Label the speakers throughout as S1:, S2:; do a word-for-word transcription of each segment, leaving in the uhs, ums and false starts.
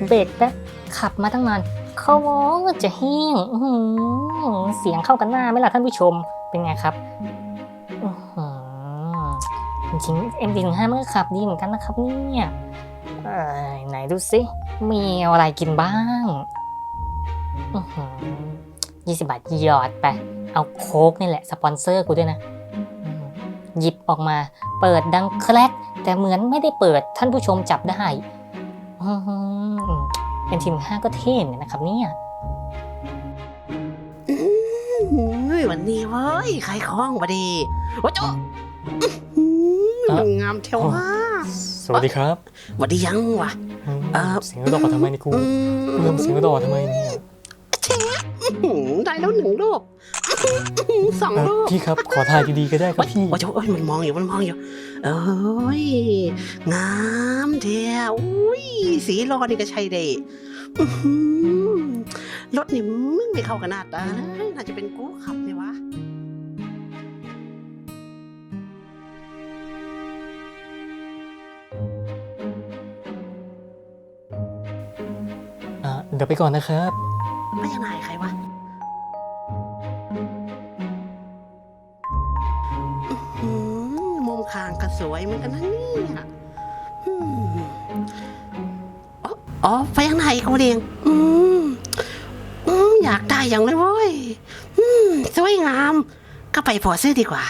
S1: เบรกแป๊บขับมาตั้งนานเขาว่าจะแห้งเสียงเข้ากันหน้าไหมล่ะท่านผู้ชมเป็นไงครับจริงๆ เอ็ม ดี หนึ่งห้า มันก็ขับดีเหมือนกันนะครับเนี่ยไหนดูสิมีอะไรกินบ้างยี่สิบบาทหยอดไปเอาโค้กนี่แหละสปอนเซอร์กูด้วยนะหยิบออกมาเปิดดังแคลกแต่เหมือนไม่ได้เปิดท่านผู้ชมจับได้เอ็ม ที หนึ่งห้า ก็เท่เหมือนกันนะครับเนี่ย
S2: วันนี้เว้ยขายของพอดีโอ้โหงามเท่าว่า
S3: สวัสดีครับ
S2: สวัสดียังวะ
S3: เสียงดอกทำไมนี่กูเริ่มเสียงดอกทำไมเนี่ย
S2: เชฟได้แล้วหนึ่งรูปสองรูป
S3: พี่ครับขอถ่ายดีๆก็ได้ครับพี่
S2: โอ้โหมันมองอยู่มันมองอยู่เอ้ยงามเท่อุ้ยสีรอนี่ก็ใช่ได้รถนี่มึงไม่เข้ากันหน้าตาเลยน่าจะเป็นกูขับเลยวะ
S3: เดี๋ยวไปก่อนนะครับ
S2: ไม่ยังไงใครวะมุมคางก็สวยเหมือนกันนะเนี่ยอ๋อไปยังไงกูเรียงอืมอืมอยากได้อย่างเลยเว้ยอืมสวยงามก็ไปพอซื้อดีกว่า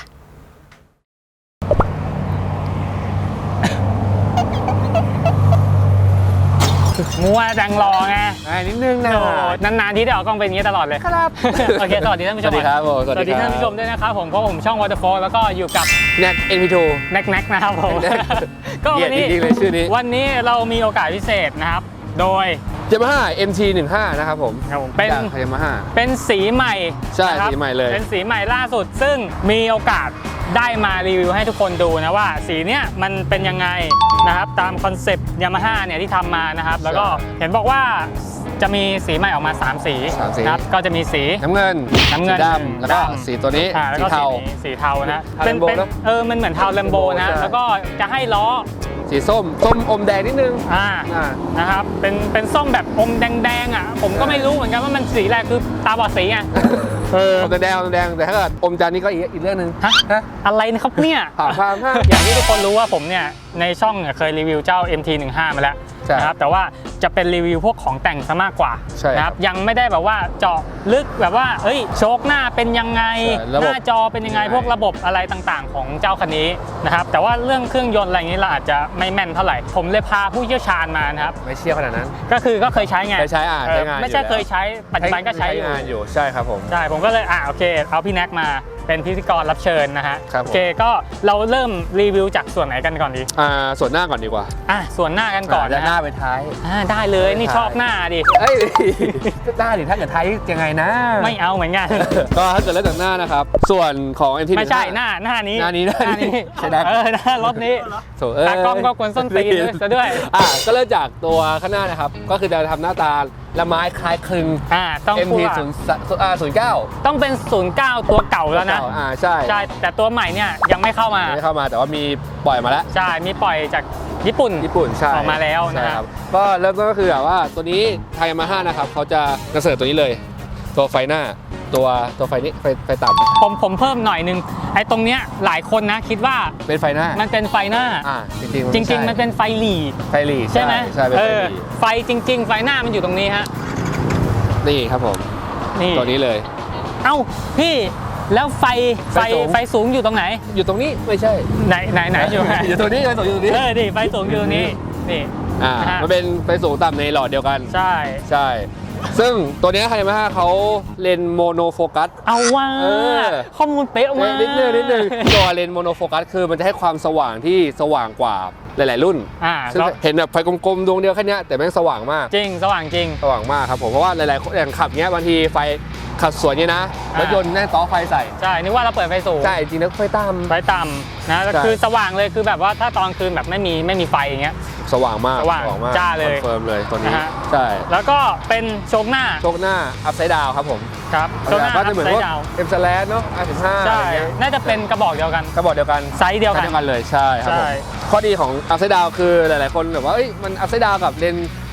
S1: มัวจังรอไง
S3: นิดนึงนะ
S1: นานๆที่ได้ออกกล้องเป็นอย่างนี้ตลอดเลย
S3: ครับ
S1: โอเคสวัสดีท่านผู้ชม
S3: สวัสดีครับผม
S1: สวัสดีท่านผู้ชมด้วยนะครับผมเพราะผมช่อง Waterfall แล้วก็อยู่กับ
S3: แน็ก เอ็น พี ทู
S1: แน็กแน็กนะครับผมก็วันนี้วันนี้เรามีโอกาสพิเศษนะครับโดย
S3: Yamaha เอ็ม ที หนึ่งห้า นะครับผม
S1: เป็น
S3: Yamaha
S1: เป็นสีใหม่
S3: ใช่สีใหม่เลย
S1: เป็นสีใหม่ล่าสุดซึ่งมีโอกาสได้มารีวิวให้ทุกคนดูนะว่าสีเนี้ยมันเป็นยังไงนะครับตามคอนเซปต์ Yamaha เนี่ยที่ทำมานะครับแล้วก็เห็นบอกว่าจะมีสีใหม่ออกมาสามสีนะครับก็จะมีสี
S3: น้ำเงิน
S1: น้ำเงิน
S3: ดำแล้วก็สีตัวนี้สีเทา
S1: สีเทานะเป็นเป็นเออมันเหมือนเทาแลมโบนะแล้วก็จะให้ล้อ
S3: สีส้มส้มอมแดงนิดนึง
S1: อ่านะครับเป็นเป็นส้มแบบอมแดงๆอ่ะผมก็ไม่รู้เหมือนกันว่ามันสีอะไรคือตาบอดสีไง
S3: เอออมแดงอมแดงแต่ถ้าเกิดอมจันนี่ก็อีกอีกเรื่องนึง
S1: ฮะอะไรนะครับเนี่ย
S3: ผ่าพาม
S1: อย่างที่ทุกคนรู้ว่าผมเนี่ยในช่องเคยรีวิวเจ้า เอ็ม ที หนึ่งห้า มาแล้วนะครับแต่ว่าจะเป็นรีวิวพวกของแต่งซะมากกว่านะครับยังไม่ได้แบบว่าเจาะลึกแบบว่าเอ้ยโชคหน้าเป็นยังไงหน้าจอเป็นยังไงพวกระบบอะไรต่างๆของเจ้าคันนี้นะครับแต่ว่าเรื่องเครื่องยนต์อะไรอย่างนี้เราอาจจะไม่แม่นเท่าไหร่ผมเลยพาผู้เชี่ยวชาญมานะครับ
S3: ไม่เชี่ยวขนาดนั้น
S1: ก็คือก็เคยใช้ไง
S3: เคยใช้อ่ะใช้งาน
S1: ไม่ใช่เคยใช้ปัจจุบันก็ใช้
S3: งานอยู่ใช่ครับผม
S1: ใช่ผมก็เลยอ่ะโอเคเอาพี่แน็กมาเป็นพิธีกรรับเชิญนะฮะ
S3: โ
S1: อเคก็เราเริ่มรีวิวจากส่วนไหนกันก่อนดี
S3: อ่าส่วนหน้าก่อนดีกว่า
S1: อ่ะส่วนหน้ากันก่อน
S3: นะหน้าไปท้าย
S1: อ่าได้เลยนี่ชอบหน้าดิ
S3: เอ้ยหน้าดิถ้าเกิดท้ายยังไงนะ
S1: ไม่เอาเหมือนกัน
S3: ก็ถ้าเกิดเริ่มจากหน้านะครับส่วนของ เอ็ม ที
S1: ไม่ใช่หน้าหน้านี้
S3: หน้านี้หน้านี้
S1: ใช่ไหมเออหน้ารถนี้ตากล้องก็กวนส้นตีนซะด้วย
S3: อ่ะก็เริ่มจากตัวข้างหน้านะครับก็คือจะทำหน้าตาละไม้คล้ายคลึง
S1: อ่าต้อง
S3: เอ็ม ที ศูนย์เก้า
S1: ต้องเป็นศูนย์เก้าตัวเก่าแล้วนะ
S3: อ่าใช่
S1: ใช่แต่ตัวใหม่เนี่ยยังไม่เข้ามา
S3: ไม่เข้ามาแต่ว่ามีปล่อยมาแล้ว
S1: ใช่มีปล่อยจากญี่ปุ่น
S3: ญี่ปุ่นใช่
S1: ออกมาแล้วนะครับ
S3: ก็เริ่มต้นก็คือแบบว่าตัวนี้ไทยมาห้านะครับเขาจะกระเสริฐตัวนี้เลยตัวไฟหน้าตัวตัวไฟนี้ไฟไฟต่
S1: ำผมผมเพิ่มหน่อยนึงไอ้ตรงเนี้ยหลายคนนะคิดว่า
S3: เป็นไฟหน้า
S1: มันเป็นไฟหน้า
S3: อ่าจริง
S1: จริงๆมันเป็นไฟหลี
S3: ไฟหลี
S1: ใช่ไหม
S3: ใช่เป็นไฟหลี
S1: ไฟจริงๆไฟหน้ามันอยู่ตรงนี้ฮะ
S3: นี่ครับผม
S1: นี่
S3: ตัวนี้เลย
S1: เอ้าพี่แล้วไฟไฟไฟสูงอยู่ตรงไหน
S3: อยู่ตรงนี้ไม่ใช่
S1: ไหนไหนไหนอยู่ไหน
S3: อยู่ตรงนี้ไฟสูงอยู่ตรงนี้
S1: เออดิไฟสูงอยู่ตรงนี้นี่
S3: อ่ามันเป็นไฟสูงต่ำในหลอดเดียวกัน
S1: ใช่
S3: ใช่ซึ่งตัวนี้ไฮมาฮ่าเขาเลนโมโนโฟกัส
S1: เอาว่าข้อมูลเป๊ะมาก
S3: นิดนึงนิดนึงตัวเลนโมโนโฟกัสคือมันจะให้ความสว่างที่สว่างกว่าหลายๆรุ่นซึ่งเห็นแบบไฟกลมๆดวงเดียวแค่นี้แต่แม่งสว่างมาก
S1: จริงสว่างจริง
S3: สว่างมากครับผมเพราะว่าหลายๆคนอย่างขับเงี้ยบางทีไฟขับสวนเนี่ยนะรถยนต์แน่นต่อไฟใส่
S1: ใช่นึกว่าเราเปิดไฟสูง
S3: ใช่จริงแล้วไฟต่ำ
S1: ไฟต่ำนะคือสว่างเลยคือแบบว่าถ้าตอนคืนแบบไม่มีไม่มีไฟอย่างเงี้ย
S3: สว่างมาก
S1: สว่างจ้าเลย
S3: คอนเฟิร์มเลยตัวนี้ใช่
S1: แล้วก็เป็นโชคหน้า
S3: โชคหน้าอัพไซด์ดาวครับผม
S1: ครับ
S3: โชคหน้าก็จะเหมือนว่าเอ็มสแลนเนาะอาร์สิบห้า
S1: ใช่น่าจะเป็นกระบอกเดียวกัน
S3: กระบอกเดียวกัน
S1: ไซส์เดียว
S3: กันเลยใช่ครับผมข้อดีของอัพไซด์ดาวคือหลายๆคนแบบว่าเอ้ยมันอัพไซด์ดาวกับเลน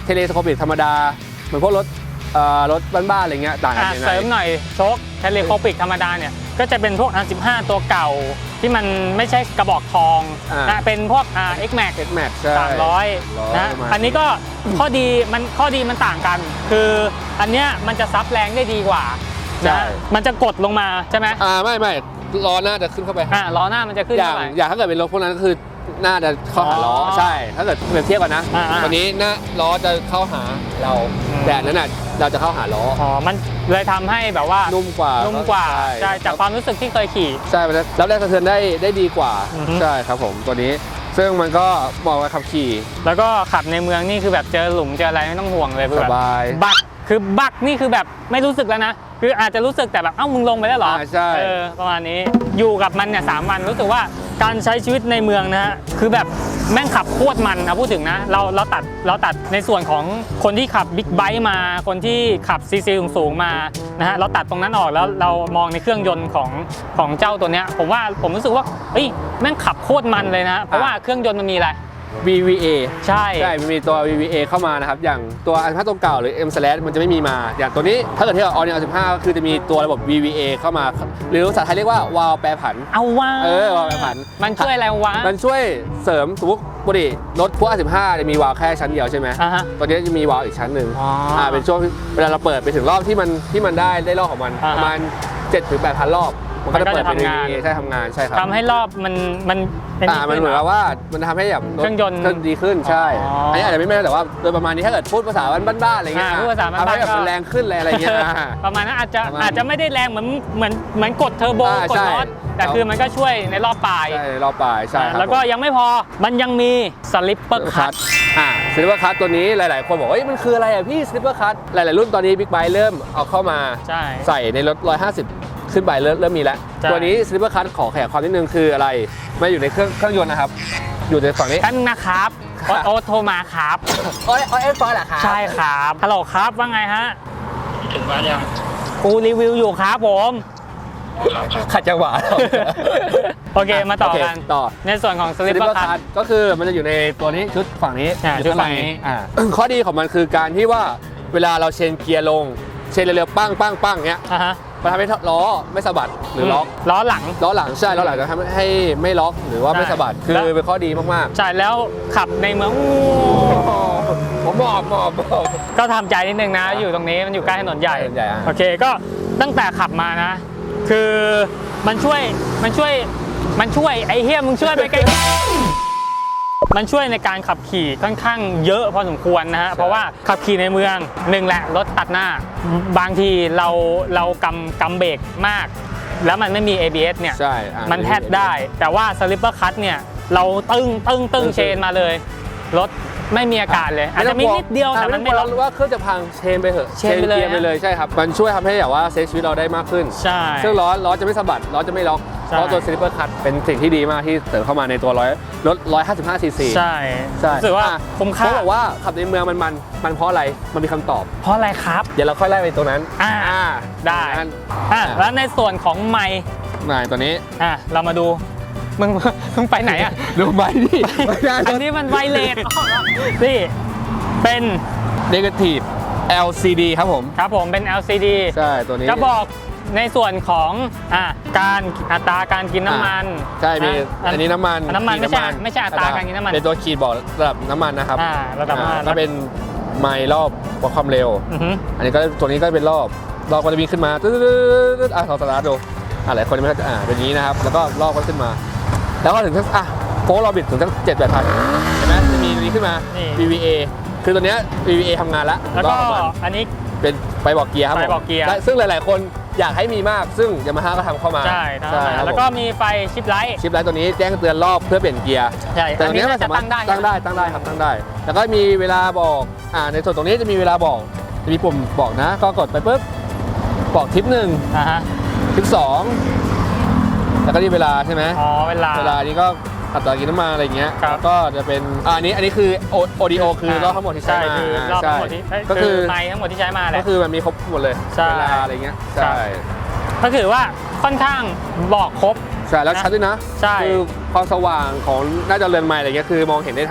S3: เทเลสโคปิกธรรมดาเหมือนพวกรถเอ่อรถบ้านๆอะไรเงี้ยต่างกัน
S1: อ่ะ
S3: ยังไง
S1: เสริมหน่อยโชคเทเลโคปิกธรรมดาเนี่ยก็จะเป็นพวก อาร์ สิบห้า ตัวเก่าที่มันไม่ใช่กระบอกทอง
S3: อ่าน
S1: นะเป็นพวก อ่า X Max
S3: X Max ใช่
S1: สามร้อย
S3: นะ
S1: นะอันนี้ก็ข้อดีมันข้อดีมันต่างกัน คืออันเนี้ยมันจะซับแรงได้ดีกว่า
S3: ใช่
S1: นะมันจะกดลงมาใช่ไหม
S3: อ่าไม่ไม่ล้อหน้าจะขึ้นเข้าไป
S1: อ่าล้อหน้ามันจะขึ้น
S3: อย่าง
S1: เท่าไหร่
S3: อย่างถ้าเกิดเป็นรถพวกนั้นก็คือหน้าจะเข้าหาล้อ
S1: อ๋อ
S3: ใช่ ถ้าเกิดเปรียบเทียบกันนะ
S1: อ่าๆ
S3: ตัวนี้หน้าล้อจะเข้าหาเรา
S1: อืม
S3: แต่อันนั้นน่ะเราจะเข้าหาล้อ
S1: อ๋อมันเลยทำให้แบบว่า
S3: นุ่มกว่า
S1: นุ่มกว่า
S3: ใช่
S1: ใช่จากความรู้สึกที่เคยขี่
S3: ใช่มันจะรับแรงสะเทือนได้ได้ดีกว่า
S1: อือฮึ
S3: ใช่ครับผมตัวนี้ซึ่งมันก็เหมาะกับขับขี่
S1: แล้วก็ขับในเมืองนี่คือแบบเจอหลุมเจออะไรไม่ต้องห่วงเลยคือ
S3: ส
S1: แบบ
S3: บาย
S1: บักคือบักนี่คือแบบไม่รู้สึกแล้วนะ คืออาจจะรู้สึกแต่แบบเอ้ามึงลงไปแล้วเหรอ
S3: อ่าใช่
S1: เออประมาณนี้อยู่กับมันเนี่ยสามวันรู้สึกว่าการใช้ชีวิตในเมืองนะฮะคือแบบแม่งขับโคตรมันนะพูดถึงนะเราเราตัดเราตัดในส่วนของคนที่ขับบิ๊กไบค์มาคนที่ขับซีซีสูงๆมานะฮะเราตัดตรงนั้นออกแล้วเรามองในเครื่องยนต์ของของเจ้าตัวเนี้ยผมว่าผมรู้สึกว่าเฮ้ยแม่งขับโคตรมันเลยนะเพราะว่าเครื่องยนต์มันมีอะไร
S3: วี วี เอ
S1: ใช่
S3: ใช่มันมีตัว วี วี เอ เข้ามานะครับอย่างตัวอันพัตัวเก่าหรือ M slash มันจะไม่มีมา อย่างตัวนี้ถ้าเกิดเทียบกับ All New สิบห้าก็คือจะมีตัวระบบ วี วี เอ เข้ามา หรือภาษาไทยเรียกว่าวาล์วแปรผัน
S1: เอาว่า
S3: เออวาล์วแปรผัน
S1: มันช่วยอะไรวะ
S3: มันช่วยเสริมสมมติปกติรถพวก อาร์ สิบห้าจะมีวาล์วแค่ชั้นเดียวใช่ไหม
S1: อ่าฮะ
S3: ตัวนี้จะมีวาล์วอีกชั้นหนึ่ง
S1: อ๋ออ่
S3: อ่าเป็นช่วงเวลาเราเปิดไปถึงรอบที่มันที่มันได้ได้รอบของมัน
S1: อ่าฮะ
S3: ประมาณ เจ็ดถึงแปดพัน รอบ มันก็จะเปิดเป็น
S1: มันก็จะทำงาน
S3: วี วี เอ ใช่ทำงานใช่ครับ
S1: ทำให้รอบมันมันเป็
S3: อ่ามันเหมือนกับว่ามันทำให้แบบ
S1: เครื่องยนต์
S3: เครื่องดีขึ้นใช่
S1: อ๋ออั
S3: อันนี้อาจจะไม่แม่นแต่ว่าโดยประมาณนี้ถ้าเกิดพูดภาษาบ้านๆอะไรเงี้ย
S1: อ่าพูดภาษาบ้านๆ
S3: ทำให้แบบ
S1: ก็
S3: มันแรงขึ้นอะไรเงี้ยอ่า
S1: ประมาณนั้นอาจจะ
S3: ประมาณ
S1: อาจจะไม่ได้แรงเหมือนเหมือนเหมือนกดเทอร์โบ
S3: อ่าก
S1: ด
S3: ใช่
S1: น็อตแต่คือมันก็ช่วยในรอบปลาย
S3: ใช่รอบปลายใช่ครับ
S1: แล้วก็ยังไม่พอมันยังมีสลิปเปอร์คั
S3: คั
S1: ต
S3: ตอ่าสลิปเปอร์คัตตัวนี้หลาย ๆ คนบอกว่าเอ้ยมันคืออะไรอ่ะพี่สลิปเปอร์คัตหลาย ๆ รุ่นตอนนี้บิ๊กไบค์เริ่มเอาเข้ามา
S1: ใช่
S3: ใส่ในรถหนึ่งร้อยห้าสิบขึ้นไปเริ่มเริ่มมีแล้ว
S1: ใช่
S3: ตัวนี้สลิปเปอร์คัตขอขยายความนิดนึงคืออะไรไม่อยู่ในเครื่องเครื่องยนต์นะครับ อยู่ในฝั่งนี้
S1: ท่านนะครับโอ๊ตโอ๊ตโทรมาครับ
S3: โอ้ยโอ้ยเอฟฟอยเหรอครับ
S1: ใช่ครับฮัลโหลครับว่าไงฮะ
S4: ถึงบ้านยัง
S1: กูรีวิวอยู่ครับผม
S3: ขัดจังหวะ
S1: โอเคมาต่อกัน
S3: โเคต่อ
S1: ในส่วนของสลิปเปอร์คัต
S3: ก็คือมันจะอยู่ในตัวนี้ชุดฝั่งนี้
S1: อ่า
S3: อยู่
S1: ชุด
S3: ข้าง
S1: ฝั่งนี้
S3: อ่า ข้อดีของมันคือการที่ว่าเวลาเราเชนเกียร์ลงเชนเร็วๆปั้งปั้งปั้งเงี้ย
S1: อ่ะฮะ
S3: มันทำให้ล้อไม่สะบัดหรือล็อก
S1: ล้อหลัง
S3: ล้อหลังใช่ล้อหลังจะทำให้ไม่ล็อกหรือว่าไม่
S1: ใช่
S3: สะบัดคือ
S1: แล้ว
S3: เป็นข้อดีมาก
S1: ใช่แล้วขับในเมือง
S3: ๆผมหมอบหมอบหมอบ
S1: ก็ทำใจนิดนึงนะ อยู่ตรงนี้มันอยู่ใกล้ถนนใหญ่
S3: ถนนใหญ่อ่ะ
S1: โอเคก็ตั้งแต่ขับมานะ คือมันช่วยมันช่วยมันช่วยไอ้เฮียมึงช่วยไปไกลมันช่วยในการขับขี่ค่อนข้างเยอะพอสมควรนะฮะเพราะว่าขับขี่ในเมืองหนึ่งแหละรถตัดหน้า บางทีเราเรากำกำเบรกมาก แล้วมันไม่มี เอ บี เอส เนี่ย
S3: ใช่อ่ะ
S1: มันแทบได้ แต่ว่าสลิปเปอร์คัตเนี่ยเราตึ้งตึ้งตึ้งเชนมาเลยรถไม่มีอาการเลย อาจจะมีนิดเดียวแต่มันไม่
S3: ต้
S1: ล็
S3: อ
S1: อง ก
S3: กลัวว่าเครื่องจะพังเชนไปเถอะ
S1: เชนไปเลย
S3: กียร์ไปเลยใช่ครับมันช่วยทำให้แบบว่าเซฟชีวิตเราได้มากขึ้น
S1: ใช่
S3: ซึ่งล้อล้อจะไม่สะบัดล้อจะไม่ล็อก
S1: ใช่
S3: เพราะตัวสลิปเปอร์คัตเป็นสิ่งที่ดีมากที่เสริมเข้ามาในตัวร้อยรถหนึ่งร้อยห้าสิบห้าซีซี
S1: ใช่
S3: ใช่
S1: รู้สึกว่า
S3: อ่ะ
S1: คุ้มค่า
S3: เขาบอกว่าขับในเมืองมันมันมันเพราะอะไรมันมีคำตอบ
S1: เพราะอะไรครับ
S3: เดี๋ยวเราค่อยไล่ไปตรงนั้น
S1: อ่า
S3: อ่า
S1: ได้
S3: นั้น
S1: อ่ะแล้วในส่วนของไมค์
S3: ไหนตัวนี้
S1: อ่ะเรามาดูมึง มึงไปไหนอ่ะ
S3: ดูไหมดิไม่ได้
S1: อันนี้มันไวเลสนี่เป็น
S3: เนกาทีฟ แอล ซี ดี ครับผม
S1: ครับผมเป็น แอล ซี ดี
S3: ใช่ตัวนี้
S1: จะบอกในส่วนของอ่ะการอัตราการกินน้ำมัน
S3: ใช่มี
S1: ะ
S3: อันนี้น้ำมัน
S1: น้ำมัน
S3: ขีด
S1: ไม่ใช่ไม่ใช่อัตราการกินน้ำมัน
S3: เป็นตัวขีดบอกระดับน้ำมันนะครับ
S1: อ่าระดับน้ำมัน
S3: อ่าถ้าเป็นไมล์รอบวัดความเร็ว
S1: อือฮึ
S3: อันนี้ก็ตัวนี้ก็เป็นรอบรอบก็จะมีขึ้นมาตึ๊ดๆๆอ่ะลองสตาร์ทดูอ่ะหลายคนยังไม่เข้าใจอ่าเป็นอย่างนี้นะครับแล้วก็รอบก็ขึ้นมา แล้วก็ถึงสักอ่ะโฟล์เราบิดถึงสักเจ็ดแปดพันเห็นไหมจะมีตัวนี้ขึ้นมา
S1: นี่
S3: วี วี เอ คือตัวเนี้ย วี วี เอ ทำงานแล้ว
S1: แล้วก็
S3: รอบของมัน
S1: อันนี้
S3: เป็นไฟบอกเกียร์ครับผม
S1: ไฟบอกเกียร์
S3: และซึ่งหลาย ๆ คนอยากให้มีมากซึ่งยามาฮ่าก็ทำเข้ามา
S1: ใช่ทั้ง
S3: ครับ
S1: แล้ว
S3: ผม
S1: ก็มีไฟชิปไลท์
S3: ชิปไลท์ตัวนี้แจ้งเตือนรอบเพื่อเปลี่ยนเกียร์
S1: ใช่
S3: แต่
S1: อั
S3: ตั
S1: น
S3: ว
S1: นี้
S3: นี้
S1: น่า
S3: มัน
S1: จะ
S3: สามาร
S1: ตั้
S3: ถ
S1: งได้
S3: ตั้งได้ตั้งได้ครับตั้งได้ แล้วก็มีเวลาบอกอ่าในส่วนตรงนี้จะมีเวลาบอกจะมีปุ่มบอกนะ ก็กดไปปุ๊บบอกทิปหนึ่ง
S1: อ่าฮะ
S3: ทิปสองแล้วก็นี่เวลาใช่ไหม
S1: อ๋อเวลา
S3: เวลานี้ก็อัตรากินน้ำมันอะไรเงี้ย
S1: ครับ
S3: แล้วก็จะเป็นอ่าอันนี้อันนี้คือโอดีโอคือรอบทั้งหมดที่ใช้
S1: ใช่
S3: มา
S1: คือรอบทั้งหมดที่เอ้ย
S3: ก็คือ
S1: ไมค์ทั้งหมดที่ใช้มาแห
S3: ก็
S1: ละ
S3: คือมันมีครบหมดเลย
S1: ใช่
S3: เวลาอะไรเงี้ย
S1: ครั
S3: ใช่
S1: บ ก็คือว่าค่อนข้างบอกครบ
S3: ใช่แล้วชัดด้วยนะ
S1: ใช่
S3: คือความสว่างของหน้าจอเรือนใหม่อะไรเงี้ยคือมองเห็นได้ทั้ง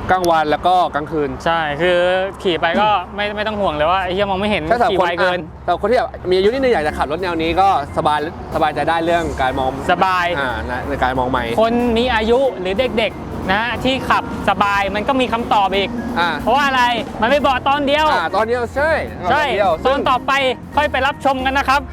S3: กลางวันแล้วก็กลางคืน
S1: ใช่คือขี่ไปก็ไม่ไม่ต้องห่วงเลยว่าไอ้เหี้ยมองไม่เห็นขี่ไวเกิน
S3: แต่คนที่แบบมีอายุนิดนึงอยากจะขับรถแนวนี้ก็สบายสบายใจได้เรื่องการมอง
S1: สบาย
S3: อ่าในการมองใหม่
S1: คนมีอายุหรือเด็กๆนะที่ขับสบายมันก็มีคำตอบอีกเพราะว่าอะไรมันไม่บอกตอนเดียว
S3: อ่าตอนเดียวใช่
S1: ใช่ตอนต่อไปค่อยไปรับชมกันนะครับ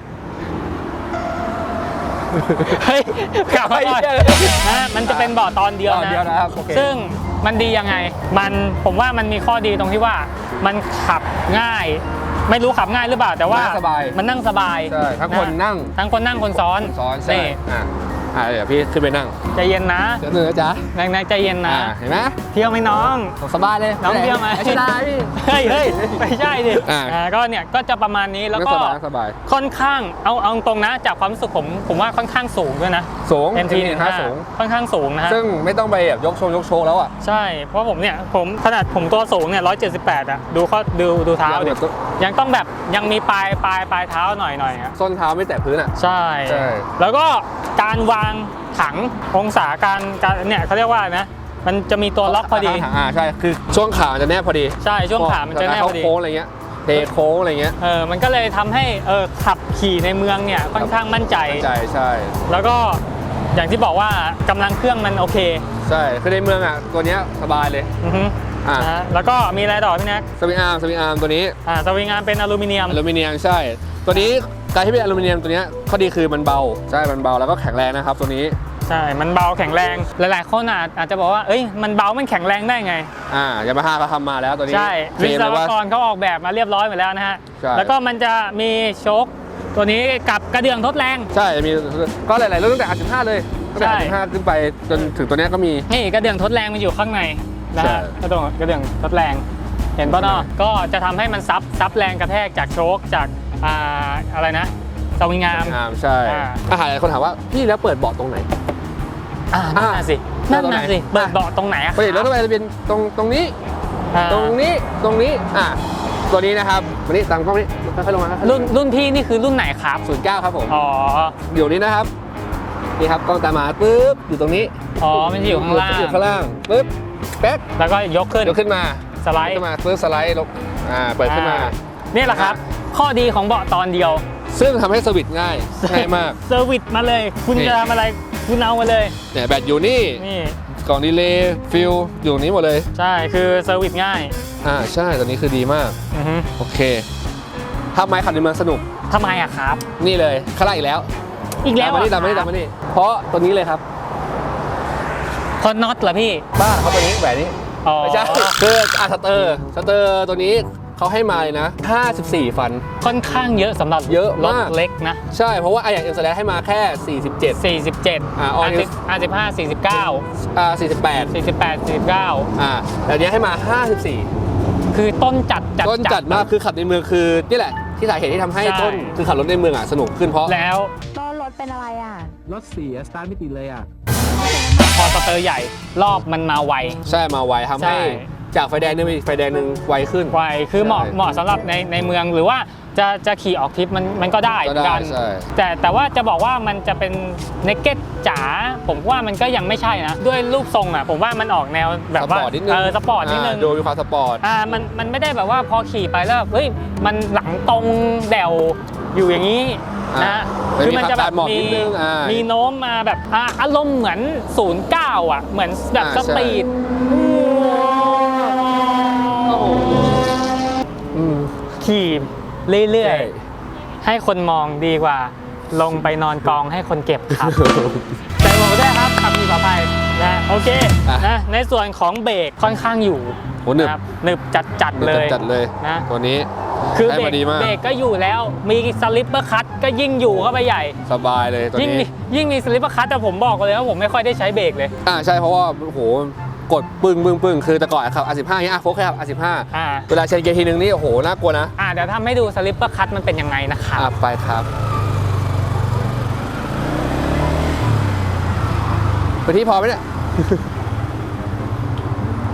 S1: เฮ้ยกลับมาก่อนนะมันจะเป็นเบาะตอนเดียวนะซึ่งมันดียังไงมันผมว่ามันมีข้อดีตรงที่ว่ามันขับง่ายไม่รู้ขับง่ายหรือเปล่าแต่ว่ามันนั่งสบาย
S3: ใช่ทั้งคนนั่ง
S1: ทั้งคนนั่งคนซ้อน
S3: ซ้อนใช่อ่าเดี๋ยวพี่ขึ้นไปนั่ง
S1: ใจเย็นนะ
S3: เดี๋ยวหนึ่งนะจ๊ะ
S1: นายใจเย็นนะ
S3: เห็นไหม
S1: เที่ยวไหมน้อง
S3: สบายเลย
S1: น้องเที่ยวไหม
S3: ไม่ได้พี่
S1: เฮ้ยเฮ้ยไม่ใช่ดิอ่าก็เนี่ยก็จะประมาณนี้แล้วก็ค่อนข้างเอาเอาตรงนะจากความรู้สึกผมผมว่าค่อนข้างสูงด้วยนะ
S3: สูง
S1: เอ็ม ที หนึ่งห้า
S3: สูง
S1: ค่อนข้างสูงนะฮะ
S3: ซึ่งไม่ต้องไปแบบยกโชว์ยกโชว์แล้วอ่ะ
S1: ใช่เพราะผมเนี่ยผมขนาดผมตัวสูงเนี่ยร้อยเจ็ดสิบแปดอ่ะดูข้อดูดูเท้าดิยังต้องแบบยังมีปลายปลายปลายเท้าหน่อยหน่อย
S3: ส้นเท้าไม่แตะพื้นอ่ะ
S1: ใช่แล้วก็การวางถังองศาการการเนี่ยเขาเรียกว่านะมันจะมีตัวล็อกพอดี
S3: อ่าใช่คือช่วงขาจะแนบพอดี
S1: ใช่ช่วงขามันจะแนบพอดี
S3: โค้งอะไรเงี้ยเทโค้งอะไรเงี้ย
S1: เออมันก็เลยทำให้เออขับขี่ในเมืองเนี่ยค่อนข้างมั่นใจ
S3: ใช่ใช่
S1: แล้วก็อย่างที่บอกว่ากำลังเครื่องมันโอเค
S3: ใช่คือในเมืองอ่ะตัวเนี้ยสบายเลย
S1: อือฮึอ่าแล้วก็มีอะไรต่อพี่แน็ก
S3: สวิงอาร์มสวิงอาร์มตัวนี้
S1: อ่าสวิงอาร์มเป็นอลูมิเนียม
S3: อลูมิเนียมใช่ตัวนี้การที่เป็นอลูมิเนียมตัวนี้ข้อดีคือมันเบาใช่มันเบาแล้วก็แข็งแรงนะครับตัวนี้
S1: ใช่มันเบาแข็งแรงหลายๆคนอาจจะบอกว่าเอ้ยมันเบามันแข็งแรงได้ไง
S3: อ่ายามาฮ่าเขาทำมาแล้วตัวนี้
S1: ใช่วิศวกรเขาออกแบบมาเรียบร้อยหมดแล้วนะฮะแล้วก็มันจะมีโชคตัวนี้กับกระเดื่องทดแรง
S3: ใช่มีก็หลายๆรุ่นตั้งแต่อาร์สิบห้าเลยตั้งแต่อาร์สิบห้าขึ้นไปจนถึงตัวนี้ก็มี
S1: นี่กระเดื่องทดแรงมันอยู่ข้างในนะฮะกระเดื่องกระเดื่องทดแรงเห็นป่ะเนาะก็จะทำให้มันซับซับแรงกระแทกจากโชคจากอ่าอะไรนะสวิงอาร์ม
S3: ใช่อาหารหลายคนถามว่าพี่แล้วเปิดเบาะตรงไหน
S1: อ่านั่นสินั่นน่ะสิเปิดเบาะตรงไหนอะ
S3: ปกติรถทั่วไปจะเป็นตรงตรงนี้ตรงนี้ตรงนี้อ่ะตัวนี้นะครับวันนี้ตามกล้องนี้ค่อยๆลงมา
S1: รุ่นรุ่นพี่นี่คือรุ่นไหนครับ
S3: ศูนย์เก้าครับผม
S1: อ๋อ
S3: อยู่นี้นะครับนี่ครับกล้องตามมาปึ๊บอยู่ตรงนี้
S1: อ๋อมันอยู่ข้างล่าง
S3: อยู่ข้างล่างปึ๊บแป๊ก
S1: แล้วก็ยกขึ้น
S3: ยกขึ้นมา
S1: สไลด์
S3: ขึ้นมาปึ๊บสไลด์ลงอ่าเปิดขึ้นมา
S1: นี่แหละครับข้อดีของเบาะตอนเดียว
S3: ซึ่งทำให้สวิตช์ง่ายง่ายมาก
S1: เซอร์วิสมาเลยคุณจะทำอะไรคุณเอามาเลย
S3: เนี่ยแบตอยู่นี่
S1: นี่
S3: กล่องดีเลย์ฟิลอยู่นี้หมดเลย
S1: ใช่คือเซอร์วิสง่าย
S3: อ่าใช่ตัวนี้คือดีมาก
S1: อือฮึ
S3: โอเคทำไมขับในเมืองสนุก
S1: ทำไมอะครับ
S3: นี่เลยข้างล่างอีกแล้ว
S1: อีกแล้ว
S3: ตามมานี่ตามมานี่ตามมานี่เพราะตัวนี้เลยครับ
S1: คอนน็อตเหรอพี่
S3: บ้าเขาตัวนี้แบบนี้ไม่ใช่คืออาสเตอร์สเตอร์ตัวนี้เขาให้มาเลยนะห้าสิบสี่ฟัน
S1: ค่อนข้างเยอะสำหรับ
S3: เยอะ
S1: รถเล็กนะ
S3: ใช่เพราะว่าไออย่างเอ็มแสดงให้มาแค่สี่สิบเจ็ด
S1: สี่สิบเจ็ด
S3: อ่า
S1: อาร์สิบห้า สี่สิบเก้า
S3: อ่าสี่สิบแปด
S1: สี่สิบแปด สี่สิบเก้า
S3: อ่าแต่เนี้ยให้มาห้าสิบสี่
S1: คือต้นจัดจัด
S3: ต้นจัดมากคือขับในเมืองคือนี่แหละที่สาเหตุที่ทำให้ต้นคือขับรถในเมืองอ่ะสนุกขึ้นเพราะ
S1: แล้ว
S4: ต้นรถเป็นอะไรอ่ะ
S3: รถเสียสตาร์ทไม่ติดเลยอ่ะ
S1: พอสเตอร์ใหญ่รอบมันมาไว
S3: ใช่มาไวทำให้จากไฟแดงนึงไปไฟแดงหนึ่งไวขึ้น
S1: ไวคือเหมาะเหมาะสำหรับในในเมืองหรือว่าจะจะขี่ออกทริปมันมันก็ได้
S3: กัน
S1: แต่แต่ว่าจะบอกว่ามันจะเป็นเนกเก็ตจ๋าผมว่ามันก็ยังไม่ใช่นะด้วยรูปทรงอ่ะผมว่ามันออกแนวแบบว่าเออสปอร์ตนิดนึง
S3: ดูมีความสปอร์ต
S1: อ่ามันมันไม่ได้แบบว่าพอขี่ไปแล้วเฮ้ยมันหลังตรงแดวอยู่อย่างนี้นะ
S3: คือมันจะแบบมี
S1: มีโน้มมาแบบอารมณ์เหมือนศูนย์เก้าอ่ะเหมือนแบบสปีดขี่เรื่อยๆให้คนมองดีกว่าลงไปนอนกองให้คนเก็บครับแต่บอกได้ครับขับขี่ปลอดภัยนะโอเคนะในส่วนของเบรกค่อนข้างอยู่
S3: นะครับ
S1: หนึบจัดจัดเลย
S3: จัดเลยนะตัวนี้
S1: คือเบรกเบรกก็อยู่แล้วมีสลิปเปอร์คัทก็ยิ่งอยู่เข้าไปใหญ่
S3: สบายเลยตัวนี้
S1: ยิ่งมีสลิปเปอร์คัทแต่ผมบอกเลยว่าผมไม่ค่อยได้ใช้เบรกเลย
S3: อ่าใช่เพราะว่าโอ้โหกดปึ้งปึ้งปึ้งคือแต่ก่อนครับ อาร์ สิบห้า เนี่ยโฟกัสครับ อาร์ สิบห้า เวลาเชนเกียร์ทีนึงนี่โอ้โหน่ากลัวนะ
S1: อ่าเดี๋ยวทำให้ดูสลิปเปอร์คัทมันเป็นยังไงนะครับ
S3: อ่าไปครับไปที่พอไหมเนี่ย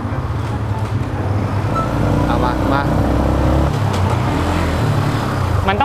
S3: เอามามา
S1: มันต้องขับไว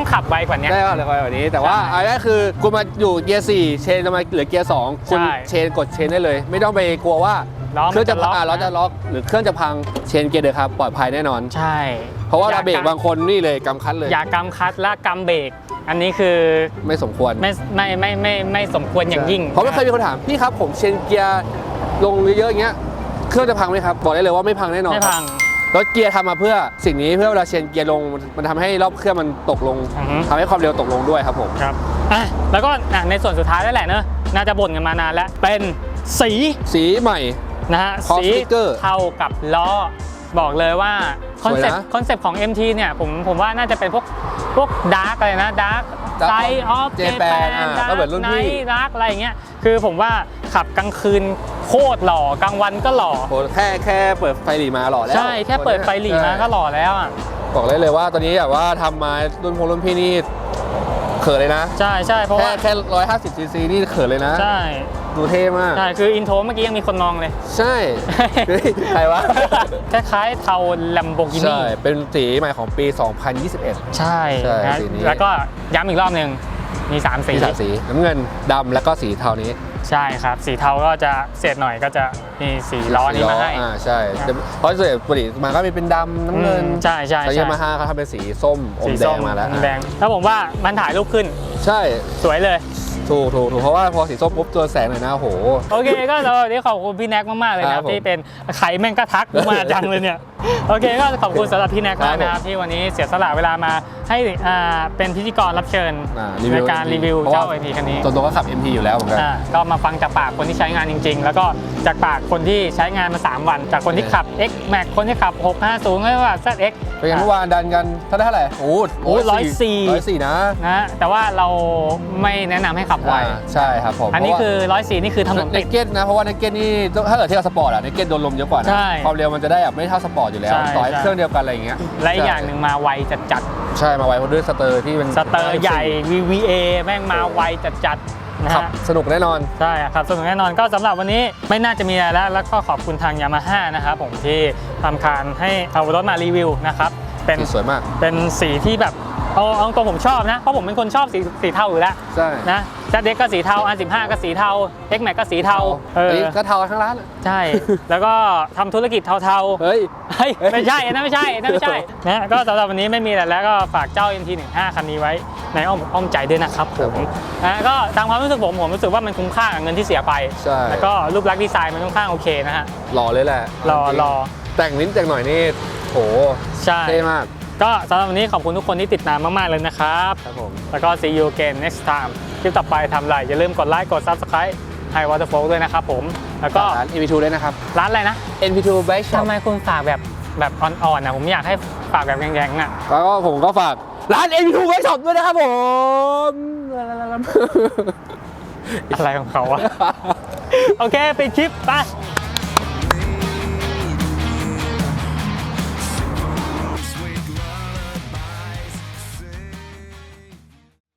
S1: กว่านี้
S3: ได้ว่าเร็วกว่านี้แต่ว่า
S1: ใช่
S3: อันนี้คือคุณมาอยู่เกียร์สี่เชนจะมาเหลือเกียร์สองคุณ
S1: ใช่
S3: เชนกดเชนได้เลย ไม่ต้องไปกลัวว่า
S1: ล้อ
S3: เครื่องจะ
S1: มันจะล็อก
S3: อ่าล้อจะล็อกหรือเครื่องจะพังเชนเกียร์เดิมครับปลอดภัยแน่นอน
S1: ใช่
S3: เพราะว่า
S1: อย่
S3: เราเบรกบางคนนี่เลยกำคัดเลย
S1: อย่ากำคัดและกำเบรกอันนี้คือ
S3: ไม่สมควร
S1: ไม่ไม่ไม่ไม่ไม่สมควรอย่างยิ่ง
S3: เพราะไม่เคยมีคนถามพี่ครับผมเชนเกียร์ลงเยอะๆอย่างเงี้ยเครื่องจะพังไหมครับบอกได้เลยว่าไม่พังแน่นอน
S1: ไม่พัง
S3: รถเกียร์ทำมาเพื่อสิ่งนี้เพื่อเวลาเชนเกียร์ลงมันทำให้รอบเครื่องมันตกลง
S1: อือฮึ
S3: ทำให้ความเร็วตกลงด้วยครับผม
S1: ครับอ่ะแล้วก็อ่ะในส่วนสุดท้ายแล้วแหละเนอะน่าจะบ่นกันมานานแล้วเป็นสี
S3: สีใหม่
S1: นะฮะ
S3: Cross
S1: สี
S3: sticker
S1: เท่ากับล้อบอกเลยว่าคอนเซ็ป
S3: สวย
S1: ต์
S3: นะ
S1: คอนเซ็ปต์ของ เอ็ม ที เนี่ยผมผมว่าน่าจะเป็นพวกพวกดาร์กอะไรนะดาร์ก
S3: Dark
S1: ไซออฟ
S3: of
S1: เจแป
S3: Japan
S1: น
S3: อ่ะ
S1: ดาร์
S3: ก็เหมือน
S1: ก
S3: รุ่น
S1: ไน
S3: พี่
S1: ท์ดาร์กอะไรอย่างเงี้ยคือผมว่าขับกลางคืนโคตรหล่อกลางวันก็หล่อ
S3: โหแค่แค่เปิดไฟหลีมาหล่อแล้ว
S1: ใช่แค่เปิดไฟหลีมาก็หล่อแล้วอ่ะ
S3: บอกเลยเลยว่าตอนนี้แบบว่าทำมารุ่นพงรุ่นพี่นี่เขินเลยนะ
S1: ใช่ใช่เพราะ
S3: แค่
S1: ว่า
S3: แค่ร้อยห้าสิบซีซีนี่เขินเลยนะ
S1: ใช่
S3: ดูเท่มาก
S1: ใช่คืออินโทรเมื่อกี้ยังมีคนมองเลย
S3: ใช่เฮ้ยใครวะ
S1: คล้ายๆเทา Lamborghini
S3: ใช่เป็นสีใหม่ของปี สองพันยี่สิบเอ็ด
S1: ใช่
S3: ใช่
S1: นะ
S3: สีนี้
S1: แล้วก็ย้ำอีกรอบหนึ่งมีสามสี
S3: มีสามสีน้ำเงินดำแล้วก็สีเทานี้
S1: ใช่ครับ สีเทาก็จะเศษหน่อยก็จะมีสีล้อนี้มาให้
S3: อ่าใช่แต่เพราะส่วนใหญ่ปกติมาก็มีเป็นดำน้ำเงิน
S1: อืมใช่ใช่
S3: แต่
S1: ใช่
S3: ยามาฮ่าเขาทำเป็นสีส้มอม
S1: สี
S3: แด
S1: ส้
S3: งมาแล้ว
S1: อมแดงแล้วผมว่ามันถ่ายรูปขึ้น
S3: ใช่
S1: สวยเลย
S3: ถูกถูกถูกเพราะว่าพอสีส้มปุ๊บตัวแสงหน่อยนะโอ้โห
S1: โอเคก็สำหรับวันนี้ขอบคุณพี่แน็กมาก ๆ เลยนะค
S3: ครั
S1: รั
S3: บบ ผม
S1: ที่เป็นไข่แม่งก็ทักมาจังเลยเนี่ย โอเคก็ขอบคุณสำหรับพี่แน็ก
S3: ครั
S1: มา
S3: บ
S1: กนะครับที่วันนี้เสียสละเวลามาให้อ่าเป็นพิธีกรรับเชิญ
S3: อ่า
S1: ในการรีวิวเจ้า ไอ พี คันนี้
S3: ส่วนตัวก็ขับ เอ็ม ที อยู่แล้วเหมือนกัน
S1: อ่าก็มาฟังจากปากคนที่ใช้งานจริง ๆ แล้วก็จากปากคนที่ใช้งานมา สาม วัน จากคนที่ขับ X Max คนที่ขับ หกห้าศูนย์ไม่ว่า แซด เอ็กซ์
S3: เป็นไงเมื่อวานดันกันเท่าไหร่เท่าไหร่โอ้
S1: โอ้ร้อยสี่
S3: ร้อยสี่นะ
S1: นะแต่ว่าเราไม่แนะนำให้ขับไว
S3: อ่าใช่ครับผม
S1: อันนี้คือร้อยสี่นี่คือถนน
S3: เน
S1: ติด
S3: เก็ตนะเพราะว่าเนเก็ตนี่ถ้าเกิดเทียบกับสปอร์ตอะเนเก็ตโดนลมเยอะกว่านะ
S1: ใช่
S3: ความเร็วมันจะได้แบบไม่เท่าสปอร์ตอยู่แล้ว
S1: ใช่
S3: ต่อให้
S1: ใช่
S3: เครื่องเดียวกันอะไรอย่างเงี้ย
S1: และอีกอย่างหนึ่งมาไวจัด
S3: ใช่มาไว้เพราะด้วยสเตอร์ที่เป็น
S1: ๆสเตอร์ใหญ่ วี วี เอ แม่งมาไวจัดๆนะ
S3: ขับ
S1: ฮะ
S3: สนุกแน่นอน
S1: ใช่ครับสนุกแน่นอนก็สำหรับวันนี้ไม่น่าจะมีอะไรแล้วแล้วก็ขอบคุณทางยามาฮ่านะครับผมที่ทำการให้เอารถมารีวิวนะครับเป็น
S3: สีสวยมาก
S1: เป็นสีที่แบบเอาเอาตรงผมชอบนะเพราะผมเป็นคนชอบสีสีเทาอยู่แล้ว
S3: ใช่
S1: นะแซดเด็กก็สีเทาอันสิบห้าก็สีเทา X Max ก็สีเทาเออ
S3: นนี้ก็เทาทั้งร้านเลย
S1: ใช่ แล้วก็ทำธุรกิจเทาๆ
S3: เฮ้ย
S1: เฮ้ยไม่ใช่อันนั่นไม่ใช่อันนั่นไม่ใช่นะก็สำหรับวันนี้ไม่มีอะไรแล้วก็ฝากเจ้า เอ็ม ที สิบห้า คันนี้ไว้ในอ้อมอกอ้อมใจด้วยนะครับผมนะก็ตามความรู้สึกผมผมรู้สึกว่ามันคุ้มค่ากับเงินที่เสียไป
S3: ใช่
S1: แล้วก็รูปลักษณ์ดีไซน์มันค่อนข้างโอเคนะฮะ
S3: หล่อเลยแหละ
S1: รอ
S3: จงๆ
S1: รอ
S3: แต่งนิดแต่งหน่อยนี่โห
S1: ใช่
S3: เท่มาก
S1: ก็สำหรับวันนี้ขอบคุณทุกคนที่ติดตามมาก ๆ เลยนะครับ
S3: ครับผม
S1: แล้วก็ see you again next time คลิปต่อไปทำอะไรอย่าลืมกดไลค์กด subscribe High Waterfall ด้วยนะครับผมแล้วก็
S3: ร้าน เอ็น พี ทู ด้วยนะครับ
S1: ร้านอะไรนะ
S3: เอ็น พี ทู Bike Shop
S1: ทำไมคุณฝากแบบแบบอ่อนๆนะผมอยากให้ฝากแบบแรงๆน่ะ
S3: แล้วก็ผมก็ฝากร้าน เอ็น พี ทู Bike Shop ด้วยนะครับผม
S1: อะไรของเขาวะ โอเคปิดคลิปไป